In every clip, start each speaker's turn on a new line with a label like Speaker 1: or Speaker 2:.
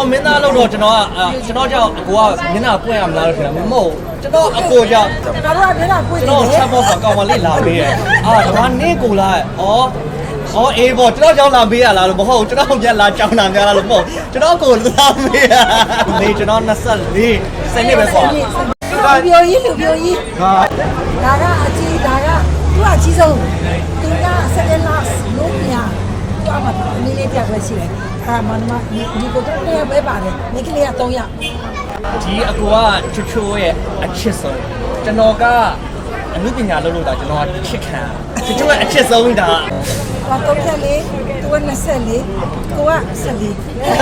Speaker 1: တော်မင်းသားလို့တော့ကျွန်တော်ကြောင့်အကိုကမျက်နှာပွင့်ရမလားလို့ထင်တာမဟုတ်ကျွန်တော်အကိုကြောင့်
Speaker 2: ကျွန်တော်တို့ကမျက်နှာပွင့်နေတယ်
Speaker 1: ကျွန်တော်ချက်ဖို့ကောင်မလေးလာပေးရဲ့ဒါကနေကိုလာအေးပေါ့ကျွန်တော်ကြောင့်လာပေးရလားလို့မဟုတ်ကျွန်တော်ပြန်လာကြောင်းတာများလားလို့မဟုတ်ကျွန်တော်ကိုလာပေးရနေကျွန်တော်24စနေပဲပေါ့
Speaker 2: လူပြိုကြီးဒါကအကြီးဒါကသူကအကြီးဆုံးသူက7 last လို့ပြသူကမှအနည်းလေးပြပဲရှိတယ်မနမဒီကိုတော့တရားပဲပါတယ်မိကလေးက3ယောက်
Speaker 1: ဒီအကူကချိုရဲ့အချစ်ဆုံးကျွန်တော်ကအမှုပညာလုပ်လို့ဒါကျွန်တော်ကချစ်ခံချိုရဲ့အချစ်ဆုံးဒါ
Speaker 2: 34သူက24ကိုက14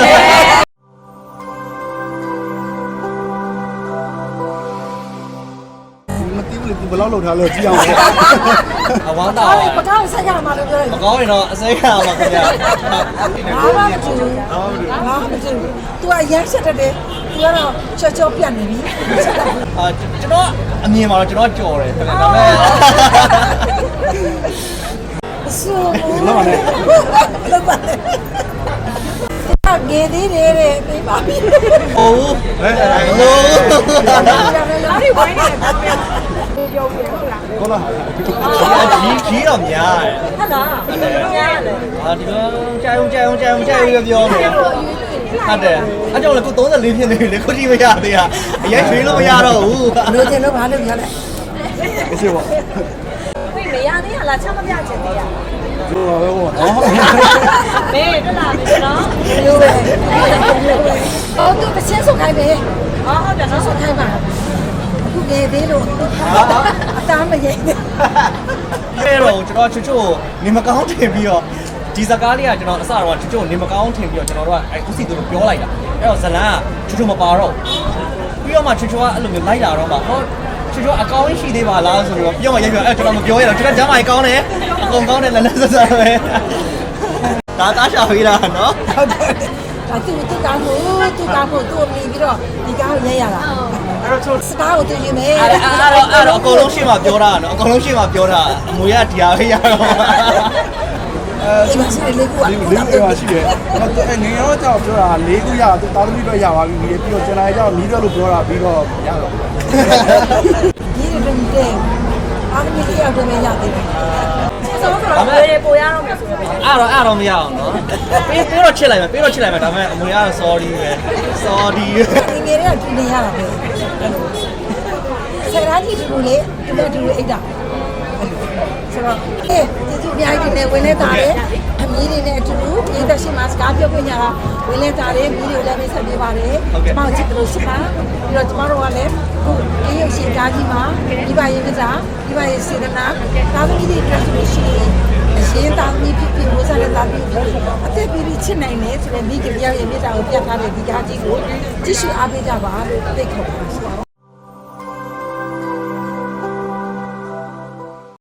Speaker 3: ဘယ်လောက်လောက်ထားလဲကြည့်အောင်
Speaker 1: အဝမ်းသာ
Speaker 2: ပကောင်းဆက်ရမှာလို့ပြောတယ်
Speaker 1: မကောင်းရင်တော့အစိမ်းရမှာခင်ဗျာ
Speaker 2: ဘာမှမကြည့်ဘူးသူကရက်ဆက်တယ်သူကတော့ချောပြတ်နေပြီ
Speaker 1: ကျွန်တော်အမြင်မှာတော့ကျွန်တော်ကြော်တယ်ဒါပေမဲ့
Speaker 2: ဆိုလောက်ပါငယ်သေးတယ်တဲ့ပေးပါပြီ
Speaker 1: ဟုတ်
Speaker 2: လာရီဝိုင်းနေပြောပြ
Speaker 3: ဟုတ်လား
Speaker 1: ကြီးတော့များတယ်
Speaker 2: ဟုတ်လားများတယ်
Speaker 1: ဒီလိုကြာုံပြောနေဟုတ်တယ်အကြောင်းလည်းကို34ဖြစ်နေပြီလေခုထိမရသေးတာအရင်ရွှေလို့မရတော့ဘူး
Speaker 2: လို့တင်လို့ဘာလို့ပြောလဲ
Speaker 3: အရှိပါ
Speaker 2: ဝိမရသေးလားချက်မပြချင်သေးရ
Speaker 3: လို့ပါပဲဟောနော်
Speaker 2: ဘေးတက်လာပြီနော်လို့ပဲသူကချင်းဆုတ်ခိုင်းပဲဟုတ်တယ်နော်ဆုတ်ခိုင်းပါအခုငယ်သေးလို့အသားမရိပ်နဲ့
Speaker 1: အဲ့တော့ကျွန်တော်ချိုနေမကောင်းထင်ပြီးတော့ဒီစကားလေးကကျွန်တော်အစတော့ချိုနေမကောင်းထင်ပြီးတော့ကျွန်တော်တို့ကဥစီတို့ပြောလိုက်တာအဲ့တော့ဇလန်ကချိုမပါတော့ပြီးတော့မှချိုကအဲ့လိုမျိုးလိုက်လာတော့မှဟောချိုအကောင်းရှိသေးပါလားဆိုတော့ပြောမှရိုက်ပြောအဲ့ကျွန်တော်မပြောရတော့ကျွန်တော်ဂျမ်းမိုင်ကောင်းတယ်အကုန်ကောင်းတယ်လည်းဆက်ဆက်ပဲဒါသားရှာပေးတာနော်
Speaker 2: ဟုတ်တယ်သူကောင်းဖို့သူမြင်ပြီးတော့ဒီကားကိုရိုက်ရတာ
Speaker 1: အဲ့တော့
Speaker 2: စကားကိုသူယူမယ်
Speaker 1: အဲ့တော့အကုန်လုံးရှင်းမှပြောတာနော်အကုန်လုံးရှင်းမှပြောတာအမွေကဒီဟာပဲရတော့
Speaker 2: ဒီမှာရှိတယ်လေးခုက
Speaker 3: လေးခုရှိတယ်ငငယ်တော့ကြောက်ပြောတာ၄ခုရသူတာသမီပဲရပါပြီပြီးတော့ကျွန်တော်ကြောက်နီးတော့လို့ပြောတာပြီးတော့ရတော့
Speaker 2: ဒီလိုတဲ့အားမီးရောက်တယ်ရတယ်ဆိုတော့ပိုရတော့မယ်ဆိုတော့
Speaker 1: အဲ့တော့မရအောင်နော်ပေးတော့ချစ်လိုက်မယ်ဒါပေမဲ့အမွေကတော့ sorry ပဲ sorry
Speaker 2: ငယ်တွေကတူနေရတာပဲဆရာကြီးတူလေတူအိတ်တာဆိုတော့ကျေးဇူးအများကြီးတင်ဝင်လဲတာတယ်အမီးတွေနဲ့အတူတူပြည်သက်ရှိမှစကားပြောခွင့်ရတာဝင်လဲတာတယ်မီးတွေလည်းမိတ်ဆက်ပေးပါတယ်ကျမတို့ချစ်လို့ရှိပါပြီးတော့ကျမတို့ကလည်းခုအေးရုပ်ရှင်ကားကြီးမှာဒီပါရင်ကစားဒီပါရင်စေတနာကားသမီးတွေအတွက်ဆိုလို့ရှိရင်အရှင်သားသမီးဖြစ်ဝစားတဲ့သားသမီးဖြစ်အသက်ပြီးချစ်နိုင်တယ်ဆိုတဲ့မိခင်ပြောင်းရဲ့မြေတာကိုပြတ်ထားတဲ့ဒီကားကြီးကိုကြည့်ရှုအားပေးကြပါလို့သိခေါ်ပါ